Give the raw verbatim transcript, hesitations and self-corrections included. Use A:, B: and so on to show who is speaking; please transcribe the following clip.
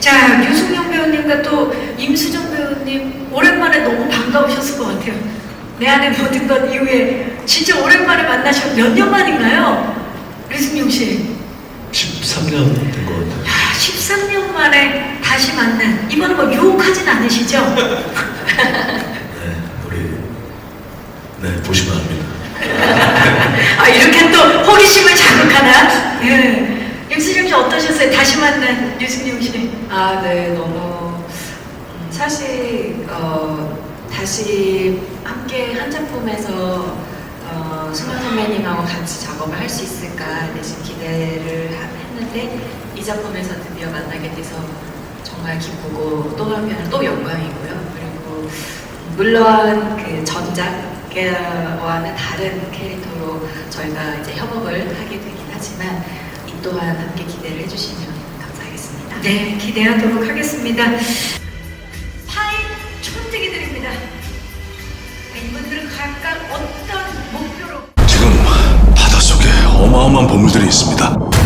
A: 자, 유승용 배우님과 또 임수정 배우님 오랜만에 너무 반가우셨을 것 같아요. 내 안에 모든 것 이후에 진짜 오랜만에 만나셨 몇 년 만인가요? 유승용 씨.
B: 십삼 년 된 것 같아요.
A: 야, 십삼 년 만에 다시 만난. 이번에 뭐 유혹하진 않으시죠?
B: 네, 우리 네 보시면 압니다.
A: 아, 이렇게 또 호기심을 자극하나? 예. 임수정 씨 어떠셨어요? 다시 만난 유승용 씨.
C: 아, 네, 너무 음, 사실 어, 다시 함께 한 작품에서 어, 승현 선배님하고 같이 작업을 할 수 있을까 내심 기대를 하- 했는데 이 작품에서 드디어 만나게 돼서 정말 기쁘고 또 한편은 또 영광이고요. 그리고 물론 그 전작과는 다른 캐릭터로 저희가 이제 협업을 하게 되긴 하지만 이 또한 함께 기대를 해주시면 감사하겠습니다.
A: 네, 기대하도록 하겠습니다. 파인 촌뜨기 드립니다. 이분들은 각각 어떤 목표로
D: 지금 바닷속에 어마어마한 보물들이 있습니다.